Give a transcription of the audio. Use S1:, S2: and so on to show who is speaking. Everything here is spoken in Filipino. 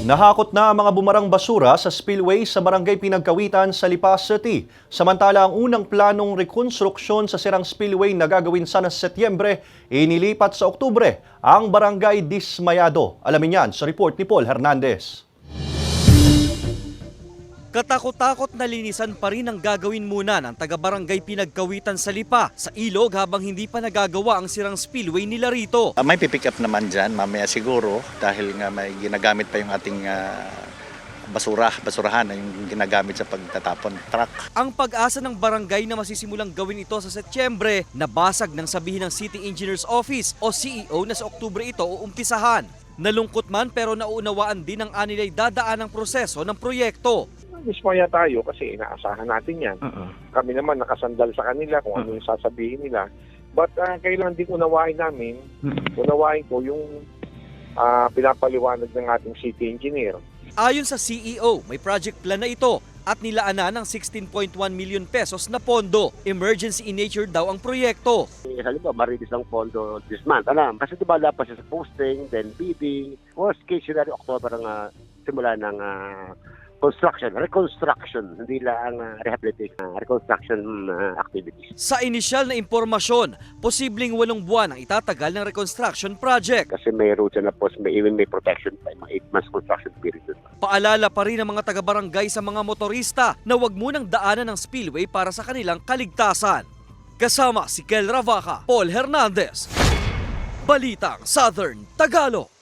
S1: Nahakot na ang mga bumarang basura sa spillway sa Barangay Pinagkawitan sa Lipa City. Samantala, ang unang planong rekonstruksyon sa sirang spillway na gagawin sana sa Setyembre, inilipat sa Oktubre ang barangay dismayado. Alamin yan sa report ni Paul Hernandez.
S2: Katakot-takot na linisan pa rin ang gagawin muna ng taga-barangay Pinagkawitan sa Lipa sa ilog habang hindi pa nagagawa ang sirang spillway nila rito.
S3: May pipick up naman dyan mamaya siguro dahil nga may ginagamit pa yung ating basurahan na yung ginagamit sa pagtatapon truck.
S2: Ang pag-asa ng barangay na masisimulang gawin ito sa Setyembre, nabasag ng sabihin ng City Engineer's Office o CEO na sa Oktubre ito uumpisahan. Nalungkot man pero nauunawaan din ng anilay dadaan ang proseso ng proyekto.
S4: Dismaya tayo kasi inaasahan natin yan. Kami naman nakasandal sa kanila kung ano yung sasabihin nila. But kailangan din unawain namin, unawain ko yung pinapaliwanag ng ating city engineer.
S2: Ayon sa CEO, may project plan na ito at nilaanan ng 16.1 million pesos na pondo. Emergency in nature daw ang proyekto.
S5: Halimbawa, marilis ang pondo this month. Kasi diba dapat siya sa posting, then bidding. Worst case scenario, October ang simula ng reconstruction, hindi lang rehabilitation, reconstruction activities.
S2: Sa inisyal na impormasyon, posibleng 8 buwan ang itatagal ng reconstruction project.
S5: Kasi may roads na po, may protection pa, mga 8 months construction period.
S2: Paalala pa rin ng mga taga-barangay sa mga motorista na huwag munang daanan ng spillway para sa kanilang kaligtasan. Kasama si Kel Ravaca, Paul Hernandez, Balitang Southern Tagalog.